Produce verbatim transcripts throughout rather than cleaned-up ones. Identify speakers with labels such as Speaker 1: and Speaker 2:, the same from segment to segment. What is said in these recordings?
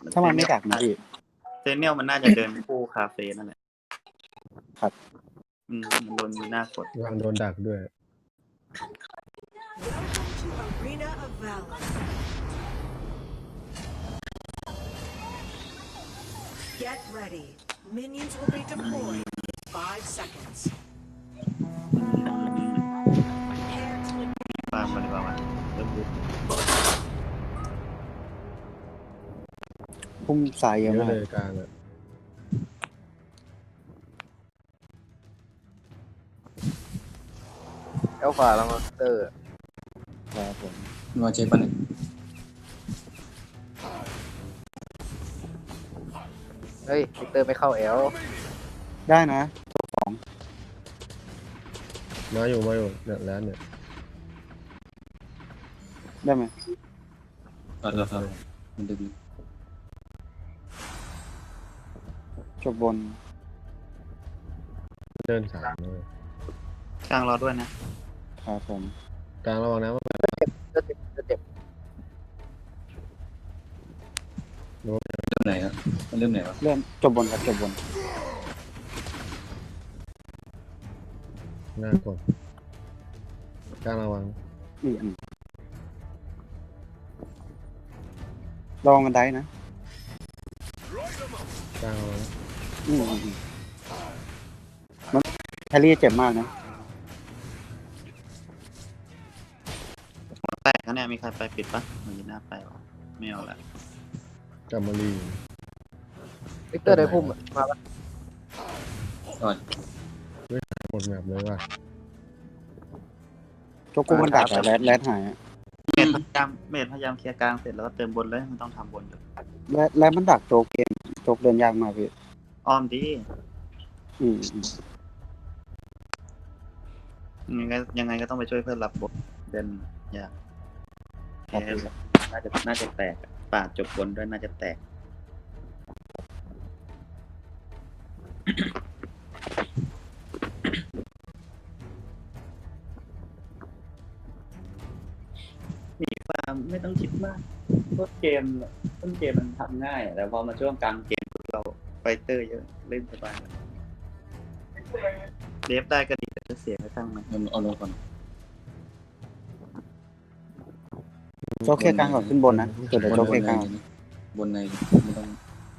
Speaker 1: ถ้ามันไม่ดักนะพี่
Speaker 2: เซเนียลมันน่าจะเดินคู่คาเฟ่นั่นแหละ
Speaker 1: ครับ
Speaker 2: อืมมันโดนมีหน้ากด
Speaker 3: วางโดนดักด้วย
Speaker 4: Arena of Valor. Get ready. Minions will be deployed in five seconds.
Speaker 2: ตามมาดีกว่าวะเริ่มบุก
Speaker 1: พุ่มสายเย
Speaker 3: เย
Speaker 1: อะ
Speaker 3: อะ
Speaker 1: มาก
Speaker 3: เลยกลางอ่ะ
Speaker 5: เอลฟาแล้วมาสเตอร์
Speaker 1: ครับผม
Speaker 6: นัวเจปันเนี่ย
Speaker 5: เฮ้ยวิกเตอร์ไม่เข้าเอล
Speaker 1: ได้นะ
Speaker 3: มาอยู่มาอยู่เนี่ยแล้วเนี่ย
Speaker 1: ได้ไหม
Speaker 6: ต่อต่อต่อมันดึง
Speaker 1: จบบน
Speaker 3: เดินสามเลย
Speaker 2: กลางรอด้วยนะครับ
Speaker 1: ผม
Speaker 3: กลางระวังนะว่า
Speaker 5: จะเจ็บจะเจ็บ
Speaker 6: เริ่มไหนครับมันเริ่มไหนวะ
Speaker 1: เริ่มจบบนครับจบบน
Speaker 3: หน้ากดกลางระวัง
Speaker 1: อืมอืมลองกันได้นะ
Speaker 3: กลางระวัง
Speaker 1: อืมอืมอืมมันแฮร์รี่เจ็บมากนะ
Speaker 2: แตกแล้วเนี่ยมีใครไปปิดปะมันยีน่าไปวะไม่เอาละ
Speaker 3: กามารี
Speaker 5: วิกเตอร์ได้พุ่มอะมาปะ
Speaker 6: ก่อน
Speaker 3: หมดแบบเลยว่ะ
Speaker 1: จกกูมันดักอะแรดแรดหายอะ
Speaker 2: เมดพยายามเมดพยายามเคลียร์กลางเสร็จแล้วก็เติมบนเลยมันต้องทำบนอยู่
Speaker 1: แรดแรดมันดักโจกเกมโจกเดินยากมากพี่
Speaker 2: อ้อมดี
Speaker 1: อืมอืม
Speaker 2: ยังไงยังไงก็ต้องไปช่วยเพื่อนรับบนเดินยาก
Speaker 1: ครับ
Speaker 2: แพ้
Speaker 1: พี่
Speaker 2: น่าจะน่าจะแตกอะปาดจบบนด้วยน่าจะแตก มีความไม่ต้องคิดมากต้นเกมต้นเกมมันทำง่ายแต่พอมาช่วงกลางเกมเราไฟเตอร์เยอะเล่นสบายเดฟได้ก็ดีแต่จะเสียไปตั้งไหม
Speaker 6: เอาเอาลงก่อน
Speaker 1: โจกเคลียร์กลางก่อนขึ้นบนนะเดี๋ยวเดี๋ยวโจกเคลียร์กลาง
Speaker 6: บนในไม่ต้อง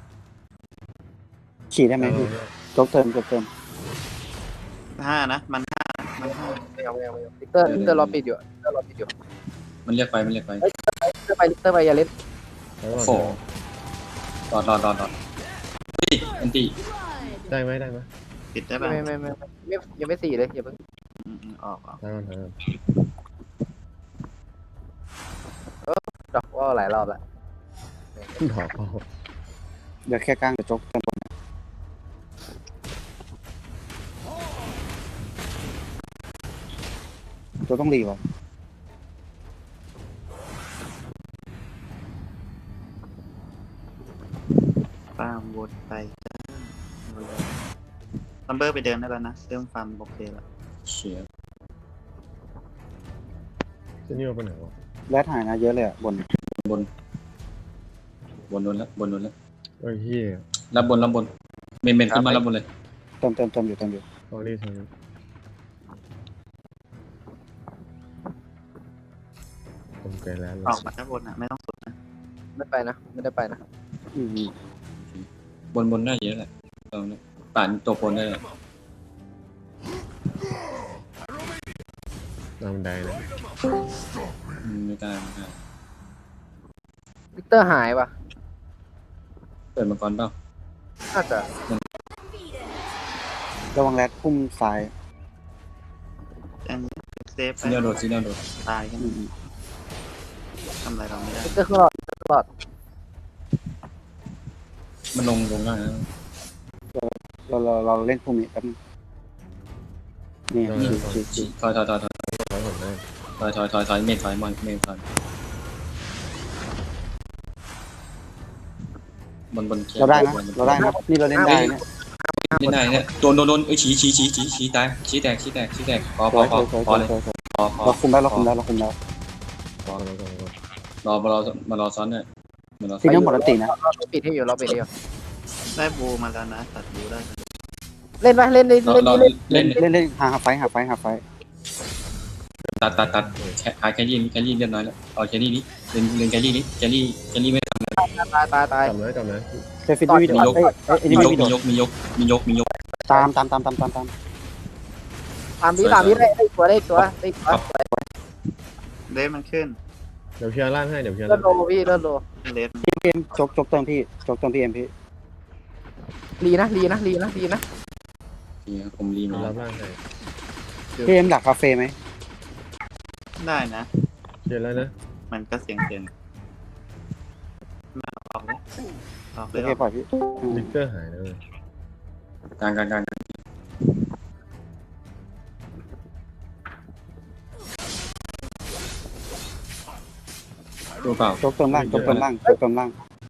Speaker 1: ขี่ได้ไหมพี่โจกเติมโจกเติม
Speaker 2: ห้านะมันห้ามันห้า
Speaker 5: ไม่เอาไม่เอาไม่เอาวิกเตอร์วิกเตอร์รอปิดอยู่วิกเตอร์รอปิดอยู่
Speaker 6: มันเรียกไปมันเรียกไป
Speaker 5: วิกเตอร์ไปวิกเตอร์ไปอย่าเล่น
Speaker 3: แล้วก่อน
Speaker 6: โอ้รอดรอดรอดรอดเฮ้ยแอนตี้
Speaker 3: ได้ไหมได้ไหม
Speaker 2: ปิดได้ป่ะ
Speaker 5: ไม่ไม่ไม่ไม่ไม่ยังไม่สี่เลยอย่าเพิ่ง
Speaker 2: อืมอืมออกออก
Speaker 3: ทางก่อนทางก่อน
Speaker 5: ดอกว่าหลายรอบแล้ว
Speaker 3: ถอดเอา
Speaker 1: เดี๋ยวแค่กลางเดี๋ยวโจกเติมบนโจกต้องรีวะ
Speaker 2: ฟาร์มวนไปซัมเบอร์ไปเดินได้แล้วนะเรื่องฟาร์มโอเคแล้ว
Speaker 6: เชีย
Speaker 3: เส้นนี้เอาไปไหนวะ
Speaker 1: แรดหายนะเยอะเลยอะบน
Speaker 6: บนบนโดนแล้วบนโดนแล้ว
Speaker 3: เอ้ยเฮีย
Speaker 6: รับบนรับบนเมนเมนขึ้นมารับบนเลย
Speaker 1: เติมเติมเติมอยู่เติมอยู่
Speaker 3: ตอรี่ทางนี้ผมไกลแล้วเลย
Speaker 2: ออกมาด้านบนอ่ะไม่ต้องสุดนะ
Speaker 5: ไม่ไปนะไม่ได้ไปนะ
Speaker 1: อืมอืม
Speaker 6: บนบนได้เยอะแหละตอนนี้ป่านตัวบนได้เลย
Speaker 3: ตามบันไดนะ
Speaker 6: อืมไม่กล้าไม่กล้า
Speaker 5: วิกเตอร์หายปะ
Speaker 6: เปิดมาก่อนเปล่า
Speaker 5: น่าจะ
Speaker 1: ระวังแรดพุ่มซ้าย
Speaker 2: ยังเซฟไป
Speaker 6: ซีเนียลโดดซีเนียลโดด
Speaker 2: ตายกัน
Speaker 1: อืมอืม
Speaker 2: ทำอะไรเราไม่ได้
Speaker 5: วิกเตอร์ขึ้นหลอดวิกเตอร์ขึ้นหลอด
Speaker 6: มันลงลงได้นะ
Speaker 1: เราเราเราเล่นพุ่มนี้แป๊บนึงนี่ฉีกฉีกฉีก
Speaker 6: ถอยถอยถอยถอย
Speaker 3: ถอยก่อนได้
Speaker 6: ถอยถอยถอยถอยเมนถอยมอนเมนถอยบนบนเคลีย
Speaker 1: เราได้นะเราได้นะนี่เราเล่นได้เนี่ย
Speaker 6: เล่นได้เนี่ยโดนโดนโดนเอ้ยชี้ชี้ชี้ชี้ชี้ตายชี้แตกชี้แตกชี้แตกพอพ
Speaker 1: ส
Speaker 6: อ
Speaker 1: วย
Speaker 6: พ
Speaker 1: ส
Speaker 6: อ
Speaker 1: วยสวย
Speaker 6: พอเลย
Speaker 1: สวยสวย
Speaker 6: พอพอ
Speaker 1: เราคุมได้เราคุมได้เราคุมได้
Speaker 3: วางแล้วก่อนก่อน
Speaker 6: รอมารอมารอซ้อนเนี่ยเหมือนเรา
Speaker 1: ซีเนียลหมดอันตีนะ
Speaker 5: เราปิดให้อยู่เราปิดให้อยู่
Speaker 2: ได้บูมาแล้วนะตัดบูได้
Speaker 5: เล่นไปเล่นเล่น
Speaker 6: เรา
Speaker 5: เล่น
Speaker 6: เรา
Speaker 5: เล่น
Speaker 6: เล่น
Speaker 1: เล่นเล่นหาหาไฟหาไฟหาไฟ
Speaker 6: ตัดตัดตัดแค่หาแครี่แครี่เรียบร้อยแล้วเอาแครี่นี้เล่นเล่นแครี่นี้แครี่แครี่ไม่ทำอะไร
Speaker 5: ตายตายตาย
Speaker 3: จำนะจำนะ
Speaker 1: เซฟิตวิดีโอเอ้ยเอ้ย
Speaker 6: มี
Speaker 1: นี่
Speaker 6: ยก
Speaker 1: วิดี
Speaker 6: มี
Speaker 1: โอย
Speaker 6: กมียกมียกมียก
Speaker 1: ตามตามตามตามตามตาม
Speaker 5: สามวิสามวิได้ได้ตัวได้ตัวได้ตัว
Speaker 2: เลสมันขึ้น
Speaker 3: เดี๋ยวเคลียร์ล่างให้เดี๋ยวเคลียร์
Speaker 5: เลื่อ
Speaker 3: ล่าน ง
Speaker 5: โลพี่เลื่อนโล
Speaker 2: เลส
Speaker 1: พี่เอ็มจกจกเติมพี่จกเติมพี่เอ็มพี่
Speaker 5: รีนะรีนะรีนะรีนะ
Speaker 6: ผมรีมา
Speaker 3: รั
Speaker 6: แล้
Speaker 3: บ
Speaker 6: ว
Speaker 3: ล่างให้
Speaker 1: พี่เอ็มดักคาเฟ่ไหม
Speaker 2: ได้นะ
Speaker 3: เคลียร์แล้วนะ
Speaker 2: มันก็เสียงเสียงมาออกเลยออกเล
Speaker 1: โอย เคปล่อยพี่อืม
Speaker 3: วิกเตอร์หายแล้วเลย
Speaker 6: กลางกลางกลางตัวเปล่า
Speaker 1: จกเติมล่างจกเติมล่างจกเติมล่าง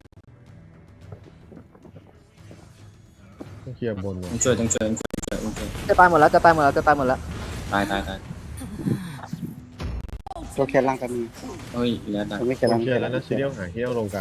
Speaker 3: ต้องเคลียร์บนก่อน
Speaker 6: ต้องช่วยต้องช่วยต้องช่วยต้องช่วย
Speaker 5: จะตายหมดแล้วจะตายหมดแล้วจะตายหมดแล้ว
Speaker 6: ตายตายตาย
Speaker 1: จกแค่ล่างกันมี
Speaker 6: เฮ้ยแล้วตาย
Speaker 1: ไม่แค่
Speaker 3: ต้
Speaker 1: ล่า
Speaker 3: อง งเคลียร์แล้วนะซีเรียลหายซีเรียลลงกลาง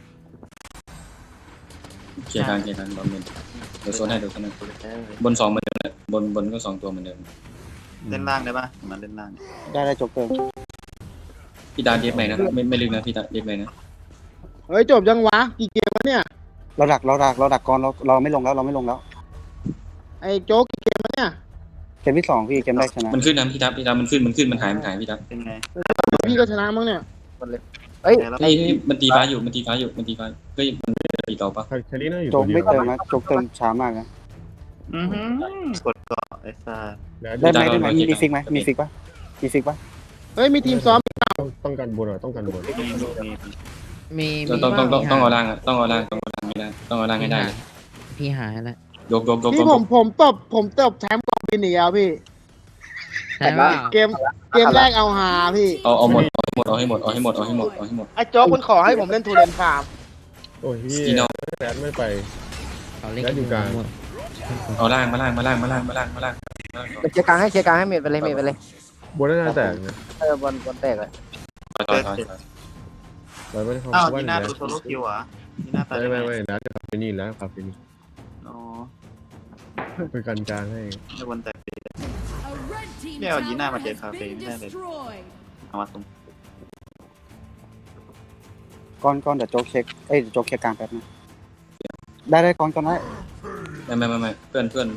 Speaker 6: เคลียร์กลางเคลียร์กลางบอลเมนเดี๋ยวโซนให้เดี๋ยวโซนให้บนสองเหมือนเดิมบนบนก็สองตัวเหมือนเดิม
Speaker 2: เล่นล่างได้ปะมันเล่นล่าง
Speaker 1: ได้ได้จกเติม
Speaker 6: พี่ดาเดฟไหมนะไม่ไม่ลึกนะพี่ดาเดฟไหมนะ
Speaker 7: เฮ้ยจบยังวะกี่เกมวะเนี่ย
Speaker 1: เราดักเราดักเราดักก่อนเราเราไม่ลงแล้วเราไม่ลงแล้ว
Speaker 7: ไอ้โจ๊กกี่เกมวะเนี่ย
Speaker 1: เกมที่สองพี่เกมแรกชนะ
Speaker 6: มันขึ้นนะพี่ดาพี่ดามันขึ้นมันขึ้นมันหายมันหายพี่ดา
Speaker 2: เป็นไง
Speaker 7: พี่ก็ชนะมั้งเนี่ย
Speaker 5: หมดเลยเฮ้ย
Speaker 6: เฮ้ยเฮ้ยมันตีฟ้าอยู่มันตีฟ้าอยู่มันตีฟ้าเฮ้ยมันตีต่อปะ
Speaker 3: แคลรี่น่าอยู่
Speaker 1: จ
Speaker 3: ตัว
Speaker 1: ก
Speaker 3: เดีย
Speaker 1: ไม่
Speaker 3: ว
Speaker 1: เติมนะจกเติมช้ามากนะ
Speaker 2: อือหือกดเกาะไอ้ซ่า
Speaker 3: แล้ว
Speaker 1: ได้ไหมได้ไหมมีฟิกไหมมีฟิกปะมีฟิกปะ
Speaker 7: เฮ้ยมีทีมซ้อม
Speaker 3: ต้องต้องกันบนอ่ะต้องกันบน
Speaker 2: มีมี
Speaker 8: มี
Speaker 6: ต้อง
Speaker 8: มี
Speaker 6: ต้องต้อง
Speaker 8: มี
Speaker 6: ต้อง
Speaker 8: หา
Speaker 6: เอาล่างอะต้องเอาล่างต้องเอาล่างให้ได้ต้องเอาล่างให้ได้เลย
Speaker 8: พี่หายแล้ว
Speaker 6: ยกยกยก
Speaker 7: พี่
Speaker 6: ยก
Speaker 7: ผมผมตบผมตบแชมป์กองบินอีกแล้วพี่
Speaker 8: ใช่ป่า
Speaker 7: เกมเกมแรกเอาหาพี่
Speaker 6: เอาเอาหมดเอาให้หมดเอาให้หมดเอาให้หมดเอาให้หมดเอาให้หมด
Speaker 7: ไอ้โจ๊กมันขอให้ผมเล่นทูเรนฟาร์ม
Speaker 3: โอ้ยพี่
Speaker 6: อีโน่
Speaker 3: แรดไม่ไป
Speaker 8: เขาเล่น
Speaker 3: แล้วอยู่กลาง
Speaker 8: หมด
Speaker 6: เอาล่างมาล่างมาล่างมาล่างมาล่างมาล่าง
Speaker 5: เคลียร์กลางให้เคลียร์กลางให้เมดไปเลยเมดไปเลย
Speaker 3: บนน่าจะแตกนะ
Speaker 5: เออบอลบอลแตกเลย
Speaker 6: ถอยถอยถอยถอย
Speaker 3: เราไม่ได้เข้า
Speaker 2: อ้าว
Speaker 3: ว่า
Speaker 2: นี่
Speaker 3: แร
Speaker 2: หน้า
Speaker 3: ด
Speaker 2: ดูโซโล่คิวเหรอนี่หน้าตา
Speaker 3: ไม่ไม่ไม่แรดคาเฟนี่แล้วคาเฟนี่
Speaker 2: อ๋อ
Speaker 3: ไปกันกลางให้
Speaker 2: ในวันแต่ปีเนี่ยเอายีน่ามาเจอคาเฟ่ไม่ได้เลยเอามาตรง
Speaker 1: ก้อนก้อนเดี๋ยวจกเช็คเอ้ยจกเช็คกลางแป๊บนะได้ได้ก้อนก้อนได้
Speaker 6: ไม่ไม่ไม่ไม่เพื่อนเพื่อน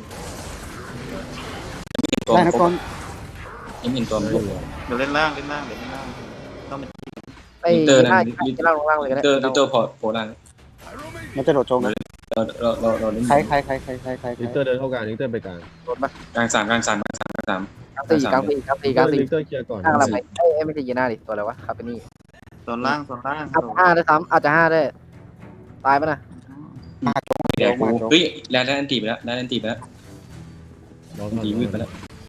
Speaker 1: ได้นะก้อน
Speaker 6: ยังเห็นตัวมัน
Speaker 2: เดี๋ยวเล่นล่างเล่นล่างเดี๋ยวเล่นล่างต้องเป็น
Speaker 5: ไอ้หน้าที่ล่างลงล่างเลยก็
Speaker 6: เตอ
Speaker 5: ได้
Speaker 6: ร์เตอร์พอโผล่ล่าง
Speaker 1: มันจะโดดโจมนะ
Speaker 6: เราเราเราเราเล่น
Speaker 1: ใครใครใครใครใครใคร
Speaker 3: ลิกเตอร์เดินเข้ากลางลิกเตอร์ไปกลาง
Speaker 5: โดนมาก
Speaker 6: ลางสามกลางสามกลางสามกลางสาม
Speaker 5: กลางสี่กลางสี่กลางสี่กลางสี่
Speaker 3: ลิกเตอร์เคลียร์ก่อน
Speaker 5: ข้างเราไปเอ้ยไม่ใช่ยีน่าดิตัวอะไรวะคาเปนี่
Speaker 2: โซนล่างโซนล่าง
Speaker 5: อาจจะห้าได้ซ้ำอาจจะห้าได้ตายปะนะ
Speaker 1: มาโจม
Speaker 6: เดี๋ยว
Speaker 1: มาโจม
Speaker 6: เฮ้ยแล้วแล้วอันตีไปแล้วแล้วอันตีไปแล้ว
Speaker 3: รอ
Speaker 6: อันตีวืดไปแล้ว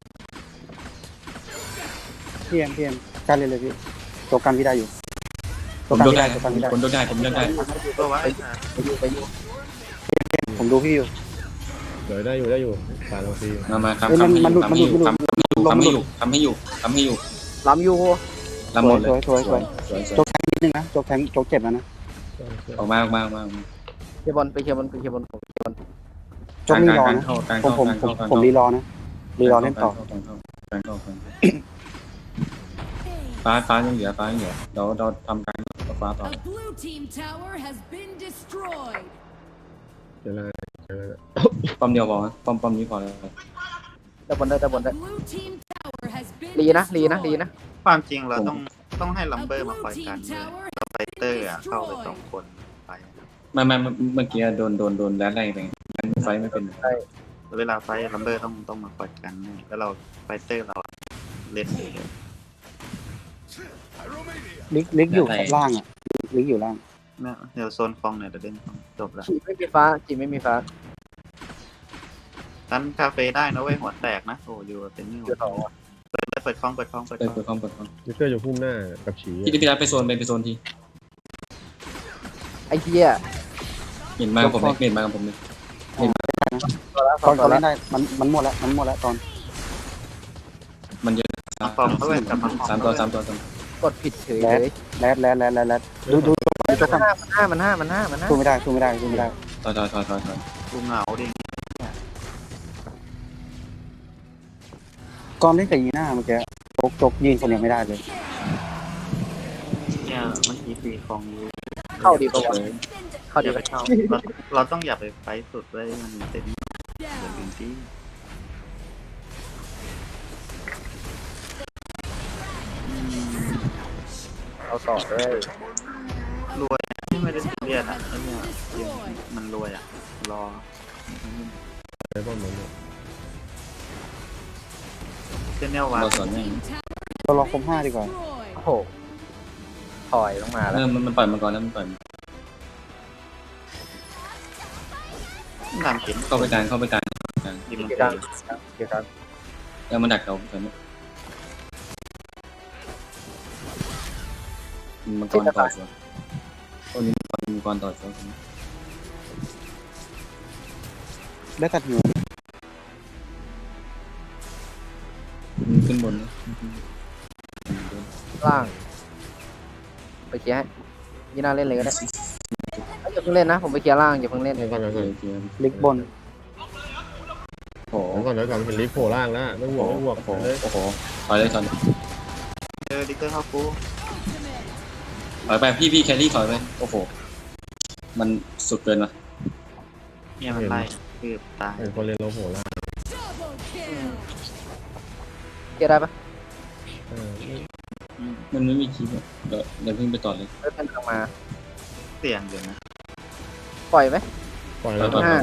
Speaker 1: พี่เอ็มพี่เอ็มการเลยเลยพี่โจกันวิได้อยู่
Speaker 6: ผมยกได้ผมยกได้ผมยกได้
Speaker 2: ตัวไว้
Speaker 5: ไปอยู่ไปอยู่
Speaker 1: ผมดูพี่อยู่
Speaker 3: เดี๋ยวได้อยู่ได้อยู่ตายเราฟรี
Speaker 6: มามาทำทำให้อยู่ทำให้อยู่ทำให้อยู่ทำให้อยู่ทำให้อยู่
Speaker 5: ล้ำอยู่
Speaker 6: ทำหมดเลย
Speaker 1: สวยสวยสวย
Speaker 6: สวย
Speaker 1: โจกแทงนิดนึงนะโจกแทงโจกเจ็บแล้วนะ
Speaker 6: ออกมาออกมาออกมา
Speaker 5: เคลียร์บอลไปเคลียร์บอลไปเคลียร์บอลผมเคลียร์บอล
Speaker 1: โจกรีรอนะ
Speaker 6: เข้ากลาง
Speaker 1: ผม
Speaker 6: เข้า
Speaker 1: ผม
Speaker 6: กลาง
Speaker 1: ผม
Speaker 6: เข้า
Speaker 1: ผมรีรอนะรีรอเล่นต่อ
Speaker 6: กลางเข้ากลางฟ้าฟ้ายังเหลือฟ้ายังเหลือเราเราทำการฟ้าต่อ
Speaker 4: A blue team tower has been destroyed.
Speaker 3: เดี๋ยวเราเดี๋ยวเรา
Speaker 6: ป้อมเดียวพอป้อมป้อมนี้พอแล้ว
Speaker 5: ได้บอลได้ได้บอลได้
Speaker 4: Blue team tower has been
Speaker 5: ลีนะลีนะลีนะ
Speaker 2: ความจริงเราต้องต้องให้ลัม
Speaker 4: A
Speaker 2: เบอร์มา
Speaker 4: blue
Speaker 2: คอยกัน
Speaker 4: team tower
Speaker 2: ไฟเตอร์อ่ะเข้าไปสองคนไป
Speaker 6: ไม่ไม่เมื่อกี้โดนโดนโดนแรดไล่ไปไฟไม่เป็น
Speaker 2: เวลาไฟลัมเบอร์ต้องต้องมาคอยกันแล้วเราไฟเตอร์เราเล่นเอง
Speaker 1: ลิกลิกอยู่ล่างอ่ะลิกอยู่ล่าง
Speaker 2: นะเดี๋ยวโซนคลองเนี่ยเดี๋ยวเล่นคลองจบละ
Speaker 5: จีไม่มีฟ้าจีไม่มีฟ้า
Speaker 2: นั้นคาเฟ่ได้นะเว้ยหัวแตกนะโอ้ยูเป็นนี่
Speaker 5: เดี๋ยวต่อ
Speaker 2: เปิดเปิดคลองเปิดคลองเปิด
Speaker 6: เปิด
Speaker 2: คลอง
Speaker 6: เปิดคอมเปิดคอม
Speaker 3: ลิกเตอร์อยู่พุ่มหน้ากับฉี
Speaker 6: พี่พี่รัฐไปโซนไปไปโซนที
Speaker 5: ไอ้เหี้ย
Speaker 6: เห็นมากับผมเลยเห็นมากับผมเลย
Speaker 5: ตัวละส
Speaker 1: ต
Speaker 5: อ
Speaker 1: อง น
Speaker 5: ตั
Speaker 1: เขา
Speaker 5: ว
Speaker 1: เล่
Speaker 5: ละ
Speaker 1: นได้มันมันหมดแล้วมันหมดแล้วตอน
Speaker 6: มันเยอะ
Speaker 2: คลองเขาเว้ยกลับมา
Speaker 6: สามตัวสามตัวสาม
Speaker 5: กดผิดเฉยเลย
Speaker 1: แรดแรดแรดแรดแรดดูดูจกก่อน
Speaker 5: มันห้ามันห้ามันห้ามันห้า
Speaker 1: สู้ไม่ได้สู้ไม่ได้สู้ไม่ได้
Speaker 6: ถอยถอยถอยถอยถอย
Speaker 2: กูเหงาดิ
Speaker 1: ก่อนเล่นกับยีน่าเมื่อกี้จกจกยืนคนเดียวไม่ได้เลย
Speaker 2: เนี่ยเมื่อกี้ตีของอยู่
Speaker 5: เข้าดีกว่าเข้า
Speaker 2: อ
Speaker 5: ดี
Speaker 2: ย่าก ไป
Speaker 5: ว่า
Speaker 2: เข้าเราเราต้องอย่าไปไฟสุดเลยมันเต็มอย่าลืมที่
Speaker 5: เอาต่อเลย
Speaker 2: รวยไม่ได้เรียนอ่ะไอ้เนี่ยมันรวยอ่ะรอ
Speaker 3: ไอ้ป้อมมันเนี่ย
Speaker 2: เส้นแนววา
Speaker 6: เราสอนแม่ง
Speaker 1: เรารอคมห้าดีกว่า
Speaker 5: โอ้โหถอยลงมา
Speaker 6: เอ
Speaker 5: แล้ว
Speaker 6: อมันมันปล่อยมาก่อนแล้วมันปล่อย
Speaker 2: ตามเข็ม
Speaker 6: เข้าไปกลางเข้าไปกลาง
Speaker 2: ยิงมัน
Speaker 5: เกี่ยว
Speaker 2: ไป
Speaker 5: กันเกี่ยวกัน
Speaker 6: แล้วมันดักเราตอนนี้มังกรต่อสวนโอ้ยมังกรต่อสวน
Speaker 1: ได้ตัดหัว
Speaker 6: ขึ้นบน
Speaker 5: ล่างไปเคลียร์ให้ยีน่าเล่นเลยก็ได้อย่าเพิ่งเล่นนะผมไปเคลียร์ล่างอย่าเพิ่งเล่น
Speaker 3: เดี๋ยวก่อนเดี๋ยวก่อน
Speaker 1: ลิกบน
Speaker 6: โอ้โห
Speaker 3: เดี๋ยวก่อนเดี๋ยวก่อนเห็นลิฟต์โผล่ล่างแล้วไม่ห่วงไม่ห่วง
Speaker 6: โอ้โห
Speaker 3: เลย
Speaker 6: โอ้โหถอยเลยถอย
Speaker 2: เจอดิกเกอร์เข้ากู
Speaker 6: ถอยไปพี่พี่แครี่ถอยไปโอ้โหมันสุดเกินว่ะ
Speaker 2: เนี่ยมันไล่คือตาย
Speaker 3: เห็นคนเรียนโลโผล่ล่าง
Speaker 5: เคลียร์ได้ปะ
Speaker 3: เออ
Speaker 6: มันไม่มีคีย์เดี๋ยวเดี๋ยวพึ่งไปต่อเลย
Speaker 5: เล่นทางมา
Speaker 2: เสี่ยงอยู่นะ
Speaker 5: ปล่อยไหม
Speaker 3: ปล่อยแล้ว
Speaker 6: ปล่อย
Speaker 5: ห้า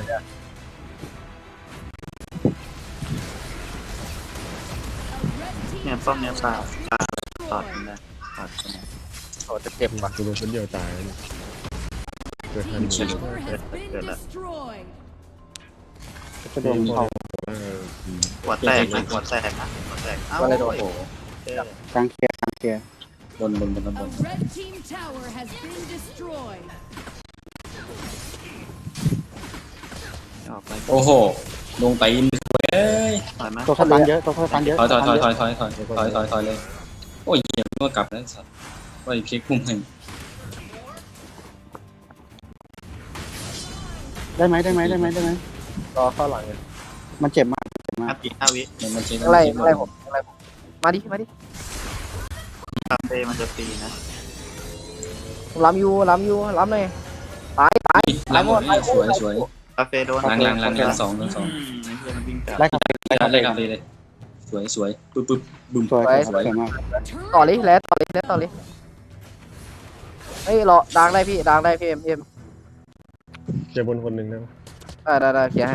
Speaker 2: เนี่ยป้อมเนี่ยปลาปลาตอดมันได้ตอดมันได้
Speaker 5: โอ้จะเจ็บว่ะ
Speaker 3: กูโดนคนเดียวตายแล้วเนี่ยเกิดทัน
Speaker 2: เกิดเกิดละ
Speaker 1: จะโดนเขา
Speaker 3: เออ
Speaker 2: หัวแตกนะหัวแตกนะหัวแตกเอ้า
Speaker 5: ก็เลยโดน
Speaker 2: โอ้โหเจอก
Speaker 1: ลางเคลียร์กลางเคลียร์
Speaker 6: บนบนบนบน
Speaker 4: Red team tower has been destroyed.
Speaker 2: ออกไป
Speaker 6: โอ้โหลงไปอินเอ้ย
Speaker 2: ถอยมา
Speaker 1: ตัวสตันเยอะตัวสตันเยอะ
Speaker 6: ถอยถอยถอยถอยถอยถอยถอยถอยถอยเลยโอ้ยเหี้ยเมื่อกลับแล้วสัตว์ว่าไอ้เพียกพุ่งให้
Speaker 1: ได้ไหมได้ไหมได้ไหมได้ไหม
Speaker 5: รอเข้าหลังเลย
Speaker 1: มันเจ็บมากเจ็บมา
Speaker 2: ห้าก ปีห้าวิ
Speaker 6: มันมันเช็ค
Speaker 5: อะไรอะไรผมอะไรผมมาดิมาดิ
Speaker 2: คาเฟ่มันจะฟรีนะ
Speaker 5: ผมล้ำอยู่ล้ำอยู่ล้ำเลยตายตาย
Speaker 6: ล้างหมดเลยสวยสวย
Speaker 2: คาเฟ่โดน
Speaker 6: ล้างล้างล้างล้างสองล้างสอง
Speaker 2: อืมไอ้เหี้ยมันวิ่งกลับ
Speaker 1: ไล่กลับไปไล่กลับไป
Speaker 6: ไล่กลับเลยเลยสวยสวยปึ๊บปึ๊บบึ้ม
Speaker 1: สวยสวยสวยมาก
Speaker 5: ต่อเลยแล้วต่อเลยแล้วต่อเลยเฮ้ยรอดังได้พี่ดังได้พี่เอ็มเอ็ม
Speaker 3: เจ็บบนคนหนึ่งนะ
Speaker 5: ได้ได้ได้เคลียร์ให้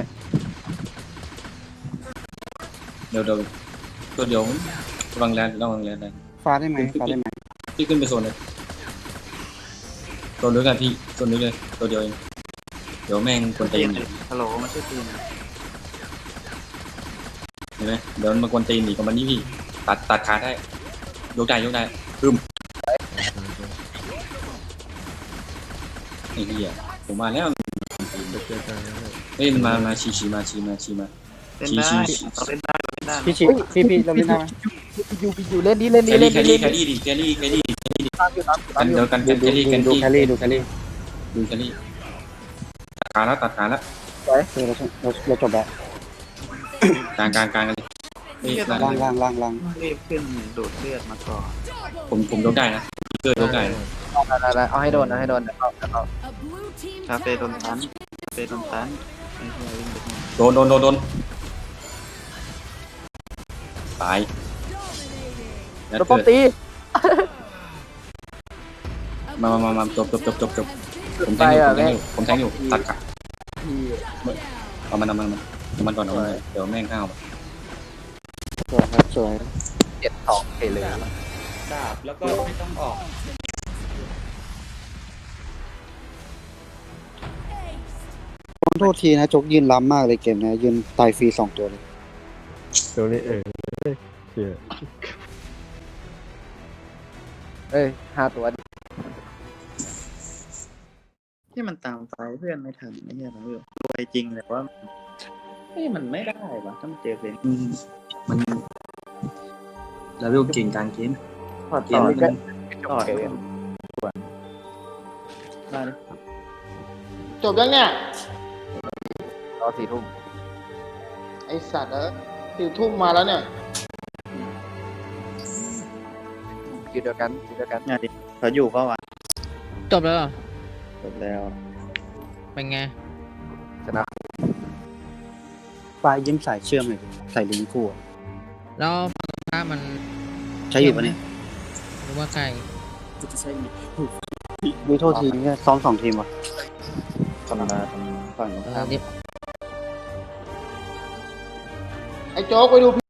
Speaker 6: เดี๋ยวเดี๋ยวตัวเดียวระวังแลนระวังแลนได้
Speaker 1: ฟ้าได้ไหมฟ้าได้ไหม
Speaker 6: พี่ขึ้นไปโซนเลยตัวเดียวกันพี่ตัวนี้เลยตัวเดียวเองเดี๋ยวแม่งกวนตี
Speaker 2: ตี
Speaker 6: น
Speaker 2: นฮัลโหลมันชื่อตีน
Speaker 6: เห็นไหมเดี๋ยวมันมากวนตีนอีกกับมันนี่พี่ตัดตัดขาได้ยกได้ยกได้ปึ้มไอ้เหี้ยผมมาแล้ว
Speaker 3: เดี๋ยวเจอกันนะ
Speaker 6: เฮ้ยมันมามาชีชีมาชีมาชีมา
Speaker 2: เล่นได้เราเล่นได้เราเล่นได้
Speaker 1: พี่ชิพี่พี่เราเล่นได้ไหม
Speaker 5: อยู่อยู่เล่นดิเล่น
Speaker 6: แค
Speaker 5: ดิเล่
Speaker 6: รี่
Speaker 5: น
Speaker 6: แค
Speaker 5: ดิ
Speaker 6: รี่
Speaker 5: เล่น
Speaker 6: แครี่ดิแครี่แครี่แครี่
Speaker 5: ตามอยู่ตามอยู่
Speaker 6: กั
Speaker 5: ตาม
Speaker 6: น
Speaker 5: อยู่
Speaker 6: เดี๋ยวกัน
Speaker 1: ดู
Speaker 6: กันแค
Speaker 1: ดู
Speaker 6: รี่กัน
Speaker 1: ดู
Speaker 6: ที่
Speaker 1: แครี่ดูแครี่
Speaker 6: ดูแครี่ตัดขาแล้วตัดขาแล้ว
Speaker 1: เออเราเราเราจบแล้ว
Speaker 6: กลางกลางกลางกันเลยเฮ้ย
Speaker 1: ล่างล่างล่างล่าง
Speaker 2: รีบขึ้นดูดเลือดมาก่อน
Speaker 6: ผมผมยกได้นะเกิดยกได้นะ
Speaker 5: ได้ได้เอาให้โดนนะให้โดนเดี๋ยวเอาเดี๋ยวเอา
Speaker 4: A blue team
Speaker 2: คาเฟ่โดน
Speaker 4: tower
Speaker 2: ตัน
Speaker 4: has
Speaker 2: คาเฟ่โดนตันไอ้เหี้ยวิ่งไปทางไหน
Speaker 6: โดนโดนโดนโดนตายแล้ว
Speaker 5: ตัวป้อ
Speaker 6: เกิ
Speaker 5: ม
Speaker 6: ด
Speaker 5: ตี
Speaker 6: มามามามาจบจบจบจบจบผม
Speaker 5: ไป
Speaker 6: แทงอยู่
Speaker 5: อ่ะ
Speaker 6: ผมแทงอยู่ผมแทงอยู่ตัดขา
Speaker 5: พี่
Speaker 6: เอามันเอามันเอามันก่อนเอามันเดี๋ยวแม่งข้าว
Speaker 1: สวยครับสวย
Speaker 5: เจ็ดสองเทเลย
Speaker 2: ดาบแล้วก็ไม่ต้องออก
Speaker 1: ขอโทษทีนะจกยืนล้ำมากเลยเกมนะยืนตายฟรีสองตัวเลย
Speaker 3: ตัวนี้เออเสีย
Speaker 5: เอ้ยห้าตัวดิ
Speaker 2: ที่มันตามไฟเพื่อนไม่ทันไอ้เหี้ยเราอยู่รวยจริงแต่ว่าเฮ้ยมันไม่ได้วะถ้ามันเจอเพลง
Speaker 6: มันแล้วเรื่องเก่งการเกม
Speaker 5: พอ
Speaker 6: เก
Speaker 5: ต่
Speaker 6: ม
Speaker 5: อ
Speaker 6: มัน
Speaker 5: ก็
Speaker 2: ต่อย
Speaker 7: จบยังเนี่ย
Speaker 5: รอสี่ทุ่ม
Speaker 7: ไอสัตว์เออสี่ทุ่มมาแล้วเนี่ย
Speaker 5: คิวเดียวกันคิวเดียวกัน
Speaker 2: เนี่ยดิเขาอยู่เปล่าวะ
Speaker 8: จบแล้วเหรอ
Speaker 2: จบแล้ว
Speaker 8: เป็นไง
Speaker 5: ชนะ
Speaker 1: ปลายยิ้มสายเชื่อมเลยดิใส่ลิงก์คู่อะ
Speaker 8: แล้วถ้ามัน
Speaker 1: ใช้อยู่ปะเนี่ย
Speaker 8: หรือว่าไกล
Speaker 1: มีโทษทีเนี่ยซ้อมสองทีมวะ
Speaker 2: ธรรมดาธรรมดาฝั่งตรง
Speaker 8: เอ
Speaker 2: ข้า
Speaker 8: อ
Speaker 2: ม
Speaker 8: เดี๋ยว
Speaker 7: ไอโจ๊กไปดู